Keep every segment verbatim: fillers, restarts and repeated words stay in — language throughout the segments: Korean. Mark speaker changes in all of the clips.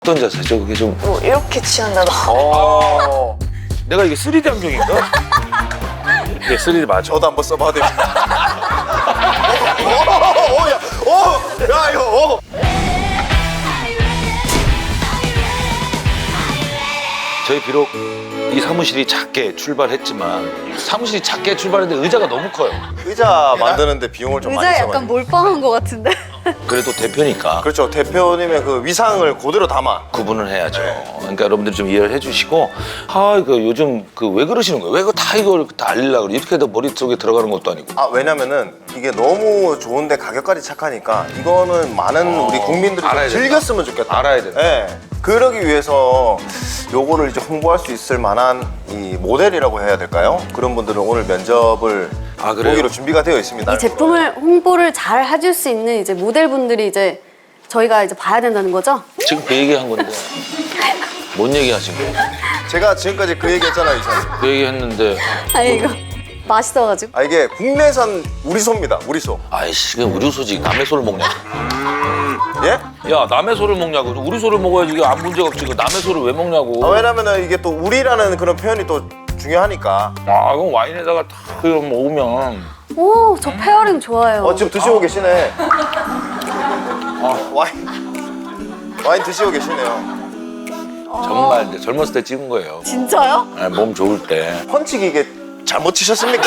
Speaker 1: 어떤 자세죠? 그게 좀
Speaker 2: 뭐 이렇게 취한다던가.
Speaker 1: 어... 내가 이게 쓰리디 안경인가? 이게 쓰리디 맞아.
Speaker 3: 저도 한번 써봐도 됩니다. 어, 어, 야, 어, 야, 이거, 어.
Speaker 1: 저희 비록 이 사무실이 작게 출발했지만 사무실이 작게 출발했는데 의자가 너무 커요.
Speaker 3: 의자 만드는데 비용을 좀 많이
Speaker 2: 의자
Speaker 3: 써가지고.
Speaker 2: 약간 몰빵한 것 같은데.
Speaker 1: 그래도 대표니까
Speaker 3: 그렇죠. 대표님의 그 위상을 그대로 담아.
Speaker 1: 구분을 해야죠. 그러니까 여러분들 좀 이해를 해주시고, 아 이거 요즘 그 왜 그러시는 거예요? 왜 이거 다 이걸 다 알리려고 그래? 이렇게 해도 머릿속에 들어가는 것도 아니고.
Speaker 3: 아, 왜냐면은 이게 너무 좋은데 가격까지 착하니까 이거는 많은
Speaker 1: 어,
Speaker 3: 우리 국민들이 좀
Speaker 1: 알아야 된다.
Speaker 3: 즐겼으면 좋겠다.
Speaker 1: 알아야 된다.
Speaker 3: 예. 그러기 위해서 요거를 이제 홍보할 수 있을 만한 이 모델이라고 해야 될까요? 그런 분들은 오늘 면접을
Speaker 1: 아, 그래요?
Speaker 3: 보기로 준비가 되어 있습니다.
Speaker 2: 이 제품을 홍보를 잘 해줄 수 있는 이제 모델분들이 이제 저희가 이제 봐야 된다는 거죠?
Speaker 1: 지금 그 얘기한 건데 뭔 얘기 하신 거예요?
Speaker 3: 제가 지금까지 그 얘기했잖아요, 이사님.
Speaker 1: 그 얘기 했는데
Speaker 2: 아니 이거 맛있어가지고.
Speaker 3: 아, 이게 국내산 우리소입니다. 우리소.
Speaker 1: 아이씨 그냥 우리 소지 남의 소를 먹냐고.
Speaker 3: 예?
Speaker 1: 야 남의 소를 먹냐고. 우리 소를 먹어야지 이게 아무 문제가 없지. 그 남의 소를 왜 먹냐고.
Speaker 3: 아, 왜냐면은 이게 또 우리라는 그런 표현이 또 중요하니까.
Speaker 1: 아 그럼 와인에다가 다 그거 먹으면
Speaker 2: 오, 저 페어링 좋아해요.
Speaker 3: 어, 지금 드시고 계시네. 아, 와인. 와인 드시고 계시네요.
Speaker 1: 정말 이제 젊었을 때 찍은 거예요.
Speaker 2: 진짜요?
Speaker 1: 아, 몸 좋을 때.
Speaker 3: 펀치기 이게 잘못 치셨습니까?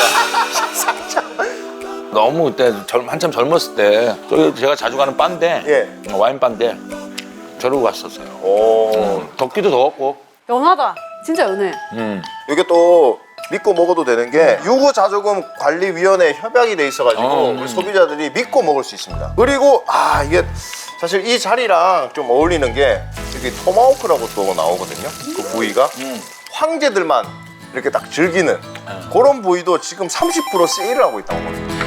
Speaker 1: 너무 그때 젊, 한참 젊었을 때 저기 제가 자주 가는 바인데
Speaker 3: 예.
Speaker 1: 와인 바인데 저러고 갔었어요.
Speaker 3: 오.
Speaker 1: 음, 덥기도 더웠고.
Speaker 2: 연하다. 진짜 연해.
Speaker 1: 음.
Speaker 3: 이게 또 믿고 먹어도 되는 게 유구자조금관리위원회 협약이 돼 있어가지고
Speaker 1: 어, 음.
Speaker 3: 우리 소비자들이 믿고 먹을 수 있습니다. 그리고 아 이게 사실 이 자리랑 좀 어울리는 게 여기 토마호크라고 또 나오거든요. 그 부위가
Speaker 1: 음.
Speaker 3: 황제들만 이렇게 딱 즐기는 그런 부위도 지금 삼십 퍼센트 세일을 하고 있다고 합니다.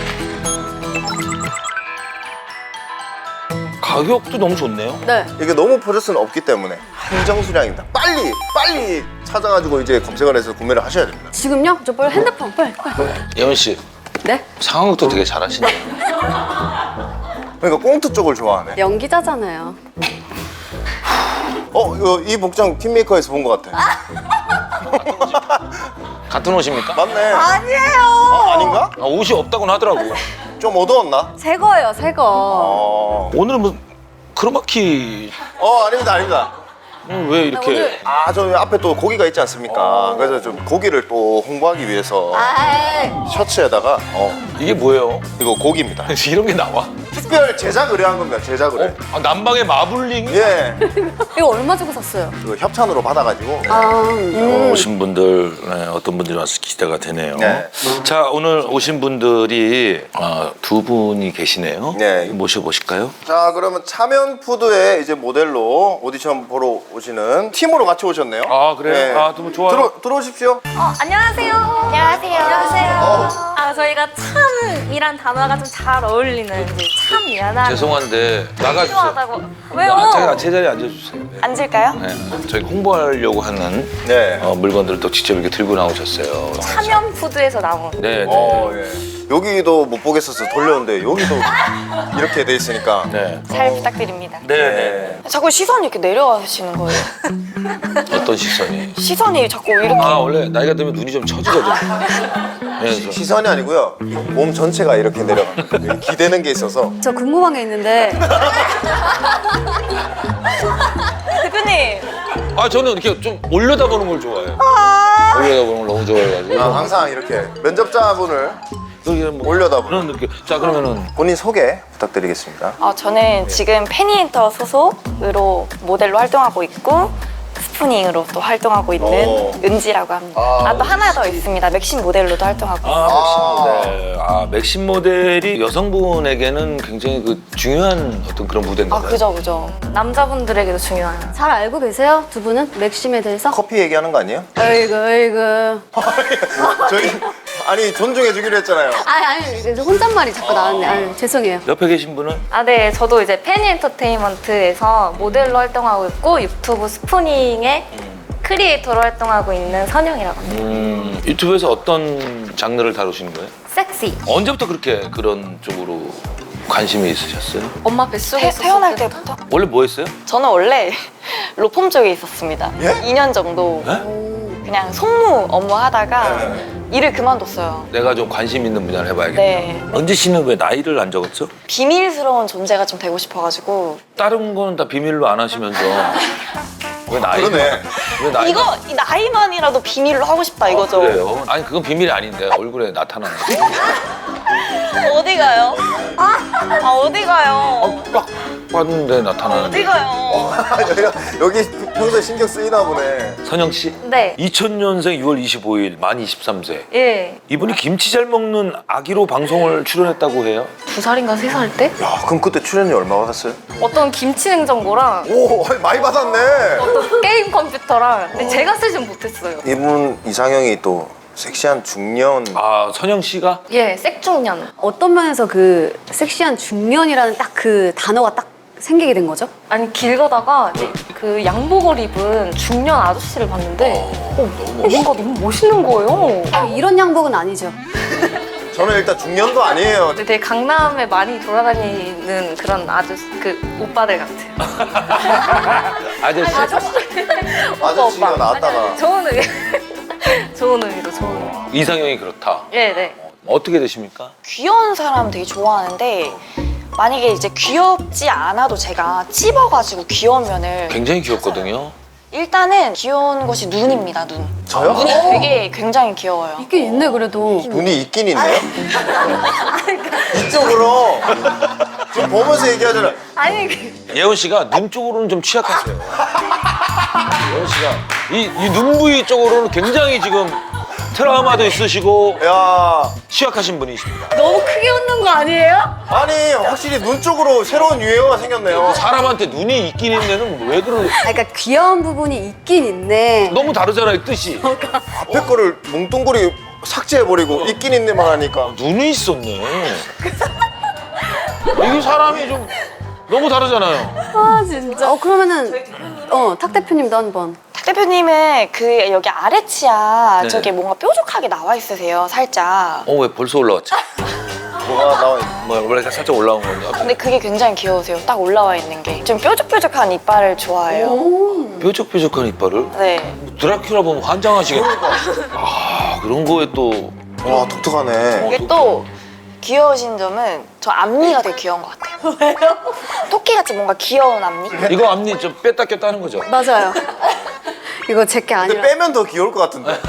Speaker 1: 가격도 너무 좋네요.
Speaker 2: 네.
Speaker 3: 이게 너무 퍼져서는 없기 때문에 한정 수량입니다. 빨리 빨리 찾아가지고 이제 검색을 해서 구매를 하셔야 됩니다.
Speaker 2: 지금요? 저 빨리 핸드폰 빨리 빨리.
Speaker 1: 예원 씨
Speaker 2: 네?
Speaker 1: 상황도 되게 잘하시네요.
Speaker 3: 그러니까 꽁트 쪽을 좋아하네.
Speaker 2: 연기자잖아요.
Speaker 3: 어, 이거 이 복장 팀메이커에서 본 것 같아.
Speaker 1: 같은 옷입니까?
Speaker 3: 맞네.
Speaker 2: 아니에요.
Speaker 3: 아, 아닌가?
Speaker 1: 아, 옷이 없다고는 하더라고.
Speaker 3: 좀 어두웠나?
Speaker 2: 새 거예요, 새 거.
Speaker 3: 어,
Speaker 1: 오늘은 뭐 크로마키
Speaker 3: 어 아닙니다, 아닙니다.
Speaker 1: 음, 왜 이렇게
Speaker 2: 오늘-
Speaker 3: 아, 저 앞에 또 고기가 있지 않습니까? 그래서 좀 고기를 또 홍보하기 위해서
Speaker 2: 아이.
Speaker 3: 셔츠에다가 어,
Speaker 1: 이게 뭐예요?
Speaker 3: 이거 고기입니다.
Speaker 1: 이런 게 나와?
Speaker 3: 특별 제작 의뢰한 겁니다, 제작 의뢰.
Speaker 1: 어? 아, 남방의 마블링?
Speaker 3: 예,
Speaker 2: 이거 얼마 주고 샀어요?
Speaker 3: 그 협찬으로 받아가지고.
Speaker 2: 아,
Speaker 1: 오늘
Speaker 2: 음.
Speaker 1: 오신 분들 네, 어떤 분들이 와서 기대가 되네요.
Speaker 3: 네.
Speaker 1: 자 오늘 오신 분들이 어, 두 분이 계시네요.
Speaker 3: 네.
Speaker 1: 모셔보실까요?
Speaker 3: 자, 그러면 차면푸드의 이제 모델로 오디션 보러 오시는 팀으로 같이 오셨네요.
Speaker 1: 아, 그래요? 아, 너무 좋아요.
Speaker 3: 들어, 들어오십시오.
Speaker 4: 어, 안녕하세요. 안녕하세요. 안녕하세요. 아, 저희가 참이란 단어가 좀 잘 어울리는 이제 참 미안한.
Speaker 1: 죄송한데 나가주세요.
Speaker 4: 필요하다고. 왜요?
Speaker 1: 아, 제가 제 자리에 앉아주세요. 네.
Speaker 4: 앉을까요?
Speaker 1: 네. 저희 홍보하려고 하는
Speaker 3: 네.
Speaker 1: 어, 물건들을 또 직접 이렇게 들고 나오셨어요.
Speaker 4: 참염 푸드에서 나온.
Speaker 1: 네, 네.
Speaker 3: 어, 예. 여기도 못 보겠어서 돌렸는데 여기도 이렇게 돼 있으니까.
Speaker 1: 네.
Speaker 4: 잘 부탁드립니다.
Speaker 1: 네, 네.
Speaker 4: 자꾸 시선이 이렇게 내려가시는 거예요.
Speaker 1: 어떤 시선이?
Speaker 4: 시선이 자꾸 이렇게.
Speaker 1: 아 원래 나이가 들면 눈이 좀 처지거든요. 네, 그래서
Speaker 3: 시선이 아니고요. 몸 전체가 이렇게 내려갑니다. 기대는 게 있어서.
Speaker 2: 저 궁금한 게 있는데
Speaker 4: 대표님.
Speaker 1: 아 저는 이렇게 좀 올려다보는 걸 좋아해요. 올려다보는 걸 너무 좋아해가지고.
Speaker 3: 아, 항상 이렇게 면접자분을
Speaker 1: 여기 뭐
Speaker 3: 올려다보는.
Speaker 1: 그런 느낌. 자 그러면은
Speaker 3: 본인 소개 부탁드리겠습니다.
Speaker 4: 어, 저는 지금 페니엔터 소속으로 모델로 활동하고 있고 스푸닝으로 또 활동하고 있는
Speaker 3: 오.
Speaker 4: 은지라고 합니다.
Speaker 3: 아,
Speaker 4: 아, 또 하나 더 있습니다. 맥심 모델로도 활동하고 있어요.
Speaker 1: 아, 맥심 모델. 아, 맥심 모델이 여성분에게는 굉장히 그 중요한 어떤 그런 무대인가
Speaker 4: 아,
Speaker 1: 봐요.
Speaker 4: 그죠, 그죠. 남자분들에게도 중요한.
Speaker 2: 잘 알고 계세요? 두 분은? 맥심에 대해서?
Speaker 3: 커피 얘기하는 거 아니에요?
Speaker 2: 어이구 어이구.
Speaker 3: 저희 아니 존중해 주기로 했잖아요.
Speaker 2: 아니 아니 이제 혼잣말이 자꾸 나왔네. 아유, 죄송해요.
Speaker 1: 옆에 계신 분은
Speaker 4: 아, 네. 저도 이제 페니 엔터테인먼트에서 모델로 활동하고 있고 유튜브 스푸닝의 크리에이터로 활동하고 있는 선영이라고 합니다.
Speaker 1: 음, 유튜브에서 어떤 장르를 다루시는 거예요?
Speaker 4: 섹시.
Speaker 1: 언제부터 그렇게 그런 쪽으로 관심이 있으셨어요?
Speaker 4: 엄마 뱃속에
Speaker 5: 태,
Speaker 4: 있었을
Speaker 5: 태어날
Speaker 4: 때부터?
Speaker 5: 때부터?
Speaker 1: 원래 뭐 했어요?
Speaker 5: 저는 원래 로펌 쪽에 있었습니다.
Speaker 3: 예?
Speaker 5: 이 년 정도
Speaker 1: 네?
Speaker 5: 그냥 송무 업무 하다가 일을 그만뒀어요.
Speaker 1: 내가 좀 관심 있는 분야를 해봐야겠다.
Speaker 5: 네.
Speaker 1: 은지 씨는 왜 나이를 안 적었죠?
Speaker 5: 비밀스러운 존재가 좀 되고 싶어가지고
Speaker 1: 다른 거는 다 비밀로 안 하시면서 왜 나이?
Speaker 3: 그러네.
Speaker 1: 왜 나이?
Speaker 5: 이거 이 나이만이라도 비밀로 하고 싶다 이거죠.
Speaker 1: 그래요? 아니 그건 비밀이 아닌데 얼굴에 나타나는 거.
Speaker 5: 어디 가요? 아 어디 가요?
Speaker 1: 딱 봤는데 나타나는
Speaker 5: 어디 가요?
Speaker 3: 여기가 여기 평소에 신경 쓰이나 보네.
Speaker 1: 선영 씨?
Speaker 4: 네.
Speaker 1: 이천 년생 유월 이십오일 만 이십삼 세.
Speaker 4: 예.
Speaker 1: 이분이 김치 잘 먹는 아기로 방송을 출연했다고 해요.
Speaker 4: 두 살인가 세 살 때?
Speaker 3: 야, 그럼 그때 출연료 얼마 받았어요?
Speaker 4: 어떤 김치 냉장고랑
Speaker 3: 오, 많이 받았네.
Speaker 4: 어떤 게임 컴퓨터랑 근데 제가 쓰진 못했어요.
Speaker 3: 이분 이상형이 또 섹시한 중년.
Speaker 1: 아 선영 씨가?
Speaker 4: 예, 색중년.
Speaker 2: 어떤 면에서 그 섹시한 중년이라는 딱 그 단어가 딱 생기게 된 거죠?
Speaker 4: 아니 길 가다가 이제 그 양복을 입은 중년 아저씨를 봤는데 어, 뭔가 너무 멋있는 거예요.
Speaker 2: 아, 이런 양복은 아니죠.
Speaker 3: 저는 일단 중년도 아니에요.
Speaker 4: 근데 되게 강남에 많이 돌아다니는 그런 아저씨 그 오빠들 같아요.
Speaker 1: 아저씨.
Speaker 3: 아저씨가 나왔다가.
Speaker 4: 좋은 의미. 좋은 의미로 좋은 의미.
Speaker 1: 이상형이 그렇다.
Speaker 4: 네, 네.
Speaker 1: 어떻게 되십니까?
Speaker 5: 귀여운 사람 되게 좋아하는데 만약에 이제 귀엽지 않아도 제가 찝어가지고 귀여운 면을
Speaker 1: 굉장히 귀엽거든요.
Speaker 5: 일단은 귀여운 것이 눈입니다. 눈.
Speaker 3: 저요?
Speaker 5: 눈이 되게 굉장히 귀여워요.
Speaker 2: 있긴 있네 그래도.
Speaker 3: 눈이 있긴 있네요. 이쪽으로 지금 보면서 얘기하잖아.
Speaker 4: 아니 그-
Speaker 1: 예원 씨가 눈 쪽으로는 좀 취약하세요. 예원 씨가 이, 이 눈 부위 쪽으로는 굉장히 지금 트라우마도 있으시고
Speaker 3: 야,
Speaker 1: 취약하신 분이십니다.
Speaker 2: 너무 크게 웃는 거 아니에요?
Speaker 3: 아니 확실히 눈 쪽으로 새로운 유행어가 생겼네요.
Speaker 1: 사람한테 눈이 있긴 있는데는 왜 그러는?
Speaker 2: 아, 그러니까 귀여운 부분이 있긴 있네.
Speaker 1: 너무 다르잖아요 뜻이.
Speaker 3: 앞에 거를 뭉뚱그리 삭제해버리고 있긴 있네만 하니까.
Speaker 1: 눈이 있었네. 이게 사람이 좀 너무 다르잖아요.
Speaker 2: 아 진짜. 어 그러면은 어탁 대표님도 한번.
Speaker 5: 탁 대표님은 그 여기 아래치아
Speaker 1: 네.
Speaker 5: 저게 뭔가 뾰족하게 나와 있으세요. 살짝.
Speaker 1: 어 왜 벌써 올라왔지?
Speaker 3: 뭐가 나와 있
Speaker 1: 뭐 원래 살짝 올라온 건가?
Speaker 5: 근데 그게 굉장히 귀여우세요. 딱 올라와 있는 게. 좀 뾰족뾰족한 이빨을 좋아해요.
Speaker 1: 뾰족뾰족한 이빨을?
Speaker 5: 네.
Speaker 1: 드라큘라 보면 환장하시겠다. 아 그런 거에 또
Speaker 3: 와, 독특하네.
Speaker 5: 이게 또 귀여우신 점은 저 앞니가 되게 귀여운 것 같아요. 왜요? 토끼같이 뭔가 귀여운 앞니?
Speaker 1: 이거 앞니 좀 뺐다 꼈다 하는 거죠?
Speaker 2: 맞아요. 이거 제게
Speaker 3: 근데
Speaker 2: 아니라.
Speaker 3: 빼면 더 귀여울 것 같은데.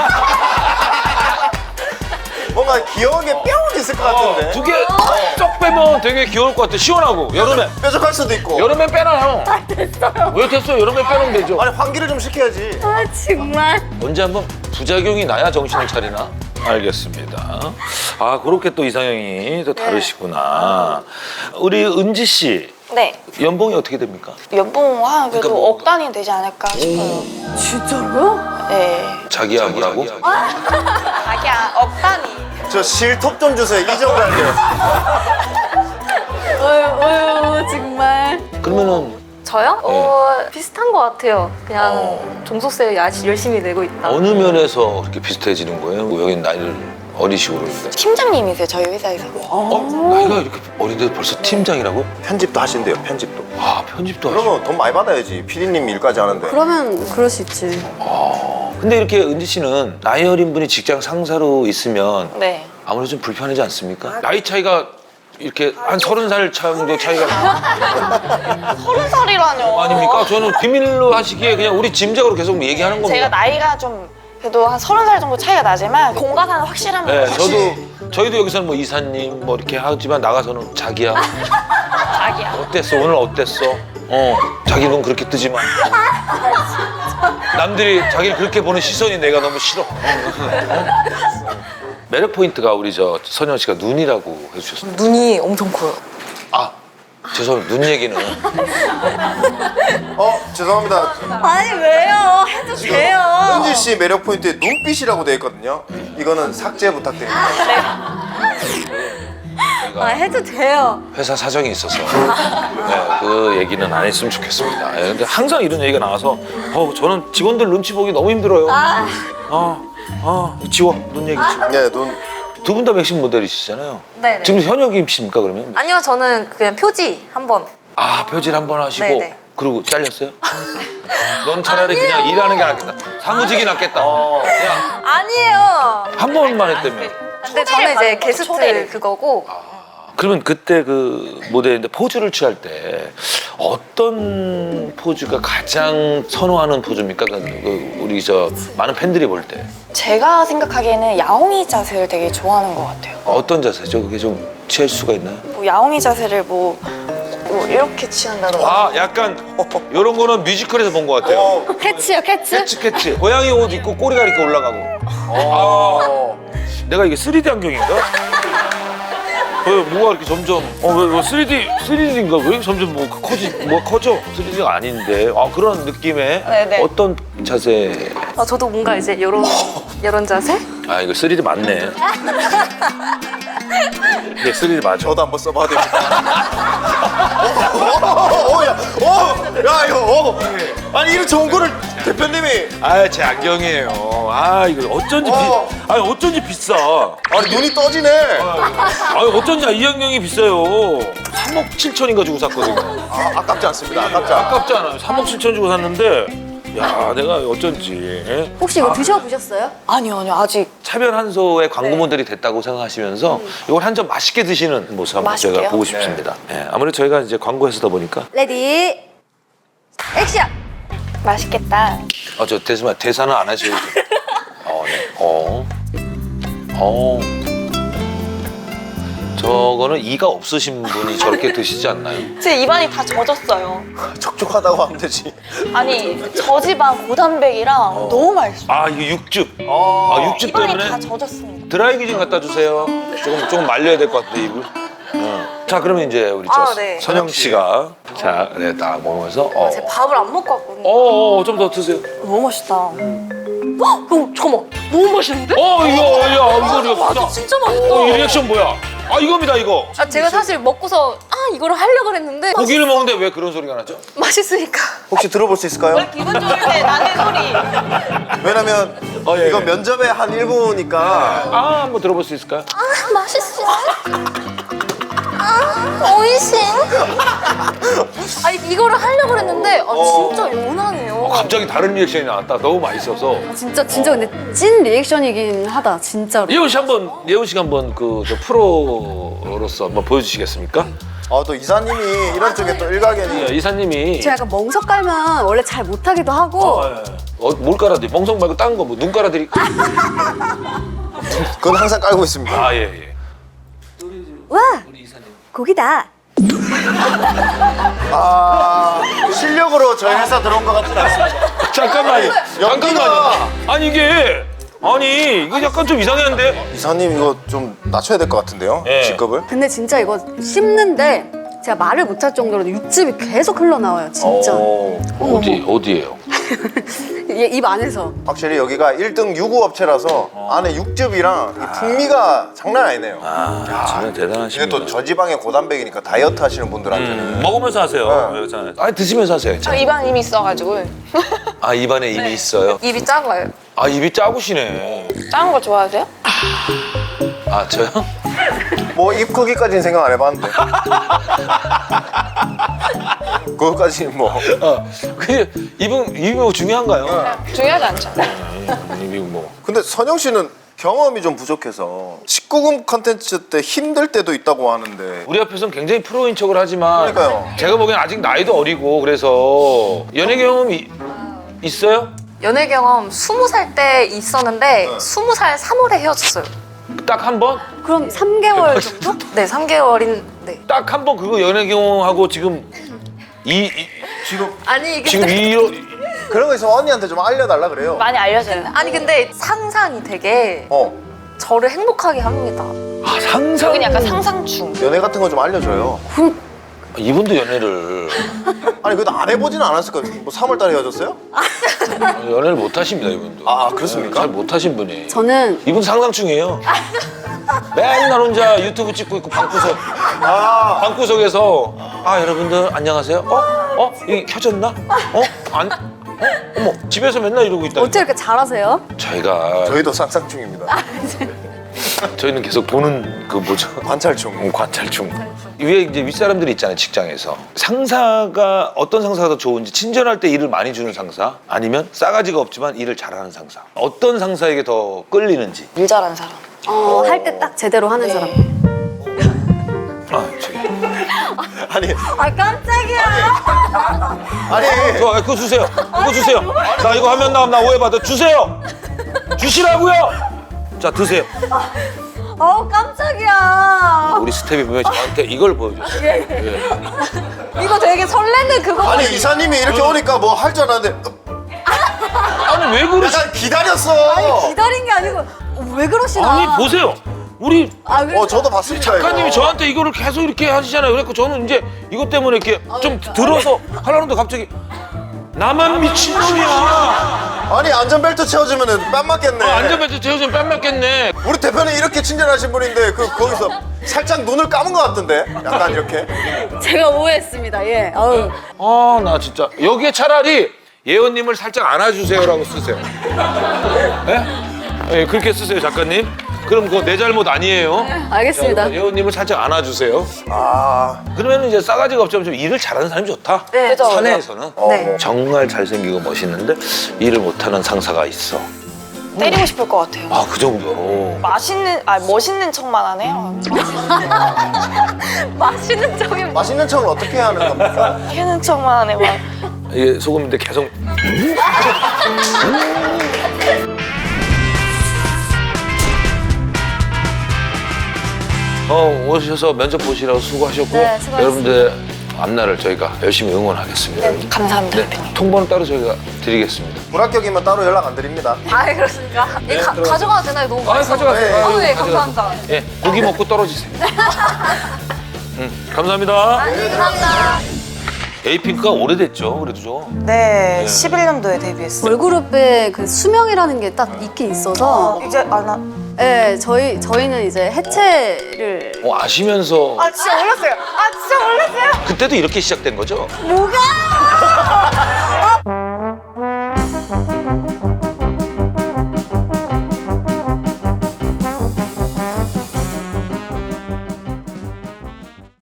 Speaker 3: 뭔가 귀여운 게 뿅 있을 것 같은데.
Speaker 1: 두 개 쩍 빼면 되게 귀여울 것 같아. 시원하고 여름에
Speaker 3: 뾰족할 수도 있고.
Speaker 1: 여름엔 빼놔요. 아 됐어요. 왜 됐어요? 여름에 빼놓으면 되죠.
Speaker 3: 아니 환기를 좀 시켜야지.
Speaker 2: 아 정말.
Speaker 1: 언제 한번 부작용이 나야 정신을 차리나? 알겠습니다. 아 그렇게 또 이상형이 또 다르시구나. 우리 은지 씨
Speaker 5: 네.
Speaker 1: 연봉이 어떻게 됩니까?
Speaker 5: 연봉 한 그래도
Speaker 1: 그러니까 뭐-
Speaker 5: 억 단위 되지 않을까 싶어요.
Speaker 2: 진짜로요?
Speaker 5: 네.
Speaker 1: 자기야 뭐라고?
Speaker 5: 자기야 억 단위.
Speaker 3: 저 실톱 좀 주세요. 이적을 할게요.
Speaker 2: 어휴 어휴 정말.
Speaker 1: 그러면은
Speaker 4: 저요? 어 비슷한 것 같아요. 그냥 종속세 야- 열심히 내고 있다.
Speaker 1: 어느 면에서 그렇게 비슷해지는 거예요? 뭐 여긴 나이를 어리시고 그러는데.
Speaker 5: 팀장님이세요 저희 회사에서.
Speaker 1: 어? 나이가 이렇게 어린데 벌써 팀장이라고?
Speaker 3: 편집도 하신대요. 편집도.
Speaker 1: 아 편집도 하시고.
Speaker 3: 그러면 돈 많이 받아야지. 피디님 일까지 하는데.
Speaker 2: 그러면 그럴 수 있지.
Speaker 1: 근데 이렇게 은지 씨는 나이 어린 분이 직장 상사로 있으면
Speaker 5: 네.
Speaker 1: 아무래도 좀 불편하지 않습니까? 나이 차이가 이렇게 한 서른 살 정도 차이가
Speaker 5: 서른 살이라뇨.
Speaker 1: 아닙니까? 저는 비밀로 하시기에 그냥 우리 짐작으로 계속 얘기하는 겁니다.
Speaker 5: 제가 나이가 좀 그래도 한 서른 살 정도 차이가 나지만 공과사는 확실합니다.
Speaker 1: 네,
Speaker 5: 확실히.
Speaker 1: 저도 저희도 여기서는 뭐 이사님 뭐 이렇게 하지만 나가서는 자기야
Speaker 5: 자기야.
Speaker 1: 어땠어 오늘 어땠어? 어 자기 눈 그렇게 뜨지 마. 남들이 자기를 그렇게 보는 시선이 내가 너무 싫어. 어? 매력 포인트가 우리 저 선영 씨가 눈이라고 해주셨어요.
Speaker 5: 눈이 엄청 커요.
Speaker 1: 아 죄송합니다. 눈 얘기는
Speaker 3: 어 죄송합니다.
Speaker 2: 아니 왜요? 해도 돼요.
Speaker 3: 은지 씨 매력 포인트에 눈빛이라고 되어 있거든요. 이거는 삭제 부탁드립니다.
Speaker 2: 아 해도 돼요.
Speaker 1: 회사 사정이 있어서 네, 그 얘기는 안 했으면 좋겠습니다. 네, 근데 항상 이런 얘기가 나와서 어, 저는 직원들 눈치 보기 너무 힘들어요. 아, 아, 지워 눈 얘기 지워.
Speaker 3: 네, 눈
Speaker 1: 두 분 다 맥심 모델이시잖아요.
Speaker 4: 네네.
Speaker 1: 지금 현역이십니까 그러면?
Speaker 4: 아니요, 저는 그냥 표지 한번.
Speaker 1: 아 표질 한 번 하시고
Speaker 4: 네네.
Speaker 1: 그리고 잘렸어요? 넌 차라리 그냥 일하는 게 낫겠다. 사무직이 낫겠다. 그냥
Speaker 4: 아니에요.
Speaker 1: 한 번만 했다며.
Speaker 4: 근데 저는 이제
Speaker 5: 받는 거죠,
Speaker 4: 게스트
Speaker 5: 초대를.
Speaker 4: 그거고.
Speaker 1: 그러면 그때 그 무대인데 포즈를 취할 때 어떤 포즈가 가장 선호하는 포즈입니까? 그, 그 우리 저 많은 팬들이 볼 때
Speaker 5: 제가 생각하기에는 야옹이 자세를 되게 좋아하는 것 같아요.
Speaker 1: 어떤 자세죠? 그게 좀 취할 수가 있나요?
Speaker 5: 뭐 야옹이 자세를 뭐, 뭐 이렇게 취한다던가.
Speaker 1: 아 약간 이런 거는 뮤지컬에서 본 것 같아요.
Speaker 3: 어.
Speaker 2: 캐치요, 캐치.
Speaker 1: 캐치 캐치. 고양이 옷 입고 꼬리가 이렇게 올라가고.
Speaker 3: 어.
Speaker 1: 내가 이게 쓰리디 안경인가? 왜 뭐가 이렇게 점점 어왜 뭐 쓰리디 쓰리디인가 왜 점점 뭐 커지 뭐 커져 쓰리디가 아닌데 아 그런 느낌의
Speaker 5: 네네.
Speaker 1: 어떤 자세
Speaker 4: 아, 저도 뭔가 이제 이런 이런 자세?
Speaker 1: 아 이거 쓰리디 맞네. 네 쓰리디 맞아.
Speaker 3: 저도 한번 써봐야 됩니다. 어, 어, 야, 어, 야, 이거, 어. 아니 이런 좋은 거를 대표님이.
Speaker 1: 아 제 안경이에요. 아 이거 어쩐지
Speaker 3: 어.
Speaker 1: 비 아니 어쩐지 비싸.
Speaker 3: 아니 눈이 떠지네.
Speaker 1: 아니 어쩐지 이 안경이 비싸요. 삼억 칠천인가 주고 샀거든요.
Speaker 3: 아, 아깝지 않습니다. 아깝지 않아.
Speaker 1: 아깝지 않아요. 삼억 칠천 주고 샀는데 야 내가 어쩐지 예?
Speaker 2: 혹시 이거 드셔보셨어요?
Speaker 5: 아니요, 아니요, 아직.
Speaker 1: 차별한소의 광고 모델이 됐다고 생각하시면서 이걸 한 점 맛있게 드시는 모습 한번
Speaker 5: 맛있게요?
Speaker 1: 제가 보고 싶습니다. 예, 아무래도 저희가 이제 광고에서다 보니까
Speaker 2: 레디, 액션!
Speaker 5: 맛있겠다.
Speaker 1: 아 저 대사 대사는 안 하셔도 돼요. 어, 네. 어, 어. 저거는 이가 없으신 분이 저렇게 드시지 않나요?
Speaker 5: 제 입안이 다 젖었어요.
Speaker 3: 촉촉하다고 하면 되지.
Speaker 5: 아니, 저지방 고단백이랑 너무 맛있어요.
Speaker 1: 아 이거 육즙.
Speaker 3: 어.
Speaker 1: 아 육즙
Speaker 5: 입안이
Speaker 1: 때문에
Speaker 5: 다 젖었습니다.
Speaker 1: 드라이기 좀 갖다 주세요. 조금 조금 말려야 될 것 같은데 입을. 어. 자 그러면 이제 우리 저
Speaker 4: 아, 네.
Speaker 1: 선영 씨가 자, 네, 딱 먹으면서 어,
Speaker 4: 제가 밥을 안 먹고 왔거든요.
Speaker 1: 어, 어, 좀 더 드세요.
Speaker 5: 너무 맛있다.
Speaker 4: 어, 잠깐만. 너무 맛있는데?
Speaker 1: 어, 이거, 야, 이거, 이거,
Speaker 4: 아, 진짜 맛있다.
Speaker 1: 어, 이 리액션 뭐야? 아, 이겁니다, 이거.
Speaker 4: 아, 제가 사실 먹고서 아 이거를 하려고 했는데
Speaker 1: 고기를 먹는데 왜 그런 소리가 나죠?
Speaker 4: 맛있으니까.
Speaker 3: 혹시 들어볼 수 있을까요?
Speaker 5: 기분 좋을 때 나는 소리.
Speaker 3: 왜냐면
Speaker 1: 어, 예,
Speaker 3: 이거
Speaker 1: 예.
Speaker 3: 면접의 한 일부니까.
Speaker 1: 아, 한번 들어볼 수 있을까요?
Speaker 4: 아, 맛있어. 아, 오이싱. 아니 이거를 하려고 했는데 아, 진짜 연하네요.
Speaker 1: 어, 갑자기 다른 리액션이 나왔다. 너무 맛있어서.
Speaker 2: 진짜, 진짜 근데 찐 리액션이긴 하다, 진짜로.
Speaker 1: 예원 씨 한번, 예원 씨가 한번 그 저 프로로서 한번 보여주시겠습니까?
Speaker 3: 아, 또 이사님이 이런 쪽에 또 일가견이.
Speaker 1: 예, 이사님이.
Speaker 2: 제가 약간 멍석 깔면 원래 잘 못하기도 하고
Speaker 1: 어, 예. 어, 뭘 깔아드리? 멍석 말고 딴 거 뭐 눈 깔아드릴까?
Speaker 3: 그건 항상 깔고 있습니다.
Speaker 1: 아, 예, 예.
Speaker 2: 와, 고기다.
Speaker 3: 아, 실력으로 저희 회사 들어온 것 같지는 않습니다.
Speaker 1: 잠깐만요.
Speaker 3: 연기가.
Speaker 1: 잠깐만요. 아니, 이게. 아니, 이거 약간 좀 이상한데?
Speaker 3: 이사님 이거 좀 낮춰야 될 것 같은데요?
Speaker 1: 예.
Speaker 3: 직급을?
Speaker 2: 근데 진짜 이거 씹는데 제가 말을 못할 정도로 육즙이 계속 흘러나와요, 진짜.
Speaker 3: 오.
Speaker 1: 어디, 어디예요?
Speaker 2: 이게 입 안에서.
Speaker 3: 확실히 여기가 일 등 유구 업체라서 안에 육즙이랑 이 풍미가 장난 아니네요.
Speaker 1: 아, 정말
Speaker 3: 이게
Speaker 1: 대단하십니다.
Speaker 3: 또 저지방의 고단백이니까 다이어트 하시는 분들한테는.
Speaker 1: 음, 먹으면서 하세요.
Speaker 3: 네.
Speaker 1: 여기서. 아니, 드시면서 하세요.
Speaker 5: 저 입안 이미 있어가지고
Speaker 1: 아, 입안에 입이 있어요?
Speaker 4: 입이 작아요.
Speaker 1: 아, 입이 작으시네.
Speaker 5: 작은 거 좋아하세요?
Speaker 1: 아, 저요?
Speaker 3: 뭐 입 크기까지는 생각 안 해봤는데. 그거까지는 뭐.
Speaker 1: 어, 그 입은, 입이 뭐 중요한가요?
Speaker 5: 중요하지 않죠.
Speaker 1: 음, 입이 뭐.
Speaker 3: 근데 선영 씨는 경험이 좀 부족해서 십구 금 컨텐츠 때 힘들 때도 있다고 하는데.
Speaker 1: 우리 앞에서는 굉장히 프로인 척을 하지만
Speaker 3: 그러니까요.
Speaker 1: 제가 보기엔 아직 나이도 어리고 그래서 연애 경험이 있어요?
Speaker 4: 연애 경험 스무 살 때 있었는데
Speaker 3: 네.
Speaker 4: 스무 살 삼월에 헤어졌어요.
Speaker 1: 딱 한 번?
Speaker 2: 그럼 삼 개월 정도?
Speaker 4: 네, 삼 개월인 네.
Speaker 1: 딱 한 번 그거 연애 경험하고 지금 이, 이
Speaker 3: 지금
Speaker 4: 아니 이게
Speaker 1: 지금 이
Speaker 3: 그런 거 있으면 언니한테 좀 알려달라 그래요.
Speaker 5: 많이 알려져요.
Speaker 4: 아니 근데 상상이 되게
Speaker 3: 어.
Speaker 4: 저를 행복하게 합니다.
Speaker 1: 아, 상상.
Speaker 5: 여긴 약간 상상충.
Speaker 3: 연애 같은 거 좀 알려줘요.
Speaker 1: 이분도 연애를
Speaker 3: 아니 그래도 안 해보지는 않았을 거예요. 뭐 삼월 달에 헤어졌어요?
Speaker 1: 연애를 못 하십니다, 이분도.
Speaker 3: 아, 그렇습니까?
Speaker 1: 잘 못 하신 분이.
Speaker 2: 저는
Speaker 1: 이분 상상충이에요. 맨날 혼자 유튜브 찍고 있고 방구석
Speaker 3: 아,
Speaker 1: 방구석에서 아 여러분들 안녕하세요. 어? 어? 이게 켜졌나? 어? 안? 어? 어머 집에서 맨날 이러고 있다.
Speaker 2: 어떻게 이렇게 잘하세요?
Speaker 1: 저희가
Speaker 3: 저희도 상상 중입니다.
Speaker 1: 저희는 계속 보는 그 뭐죠?
Speaker 3: 관찰충.
Speaker 1: 어, 관찰충. 위에 이제 윗사람들이 있잖아요, 직장에서. 상사가 어떤 상사가 더 좋은지, 친절할 때 일을 많이 주는 상사, 아니면 싸가지가 없지만 일을 잘하는 상사. 어떤 상사에게 더 끌리는지.
Speaker 5: 일 잘하는 사람.
Speaker 2: 어, 할 때 딱 제대로 하는 사람.
Speaker 1: 아, 저기.
Speaker 3: 아니
Speaker 2: 아 깜짝이야.
Speaker 3: 아니
Speaker 1: 저, 그거 주세요. 그거 주세요. 나 이거 하면 나면 나 오해받아. 주세요. 주시라고요. 자, 드세요.
Speaker 2: 어 깜짝이야.
Speaker 1: 우리 스텝이 보면 저한테 이걸 보여줬어요. 예.
Speaker 2: 이거 되게 설레는 그거.
Speaker 3: 아니 이사님이 이렇게 오니까 뭐 할 줄 알았는데
Speaker 1: 아니, 왜 그러시?
Speaker 3: 약간 기다렸어.
Speaker 2: 기다린 게 아니고 어, 왜 그러시나?
Speaker 1: 아니, 보세요. 우리
Speaker 2: 아, 그래?
Speaker 3: 어 저도 봤습니다.
Speaker 1: 작가님이
Speaker 3: 이거.
Speaker 1: 저한테 이거를 계속 이렇게 하시잖아요. 그래서 저는 이제 이것 때문에 이렇게 좀 들어서 하려는데 갑자기 나만 미친놈이야.
Speaker 3: 아니 안전벨트 채워주면은 뺨 맞겠네.
Speaker 1: 어, 안전벨트 채워주면 뺨 맞겠네.
Speaker 3: 우리 대표는 이렇게 친절하신 분인데 그 거기서 살짝 눈을 감은 것 같던데. 약간 이렇게.
Speaker 2: 제가 오해했습니다. 예. 어우.
Speaker 1: 아, 나 진짜 여기에 차라리 예원님을 살짝 안아주세요라고 쓰세요. 예? 예, 그렇게 쓰세요, 작가님. 그럼 그거 내 잘못 아니에요.
Speaker 2: 알겠습니다.
Speaker 1: 자, 예원님을 살짝 안아주세요.
Speaker 3: 아
Speaker 1: 그러면 이제 싸가지가 없지만 좀 일을 잘하는 사람이 좋다.
Speaker 2: 네. 그죠,
Speaker 1: 사내에서는
Speaker 2: 네.
Speaker 1: 정말 잘생기고 멋있는데 일을 못하는 상사가 있어.
Speaker 5: 때리고 싶을 것 같아요.
Speaker 1: 아, 그 정도로.
Speaker 5: 맛있는, 아 멋있는 척만 하네요.
Speaker 2: 맛있는 점이
Speaker 3: 맛있는 척은 어떻게 해야 하는 겁니까?
Speaker 5: 하는 척만 하네 막.
Speaker 1: 이게 소금인데 계속. 어, 오셔서 면접 보시라고 수고하셨고,
Speaker 2: 네, 수고하셨습니다.
Speaker 1: 여러분들 앞날을 저희가 열심히 응원하겠습니다.
Speaker 5: 네, 감사합니다,
Speaker 1: 네,
Speaker 5: 대표님.
Speaker 1: 통보는 따로 저희가 드리겠습니다.
Speaker 3: 불합격이면 따로 연락 안 드립니다.
Speaker 2: 아 그렇습니까? 이 가,
Speaker 1: 들어가세요.
Speaker 2: 가져가도 되나요? 너무
Speaker 1: 아,
Speaker 2: 맛있어.
Speaker 1: 가져가세요.
Speaker 3: 네.
Speaker 1: 아유,
Speaker 2: 어, 네,
Speaker 1: 가져가세요.
Speaker 2: 감사합니다.
Speaker 1: 예, 고기 먹고 떨어지세요. 음, 감사합니다.
Speaker 2: 네, 감사합니다.
Speaker 1: 에이핑크가 오래됐죠, 그래도 좀.
Speaker 5: 네, 십일 년도에 데뷔했어요.
Speaker 2: 걸그룹의 그 수명이라는 게 딱 있긴 있어서,
Speaker 5: 이제 아나.
Speaker 2: 네, 저희 저희는 이제 해체를
Speaker 1: 어, 아시면서
Speaker 5: 아 진짜 몰랐어요. 아 진짜 몰랐어요.
Speaker 1: 그때도 이렇게 시작된 거죠?
Speaker 2: 뭐가?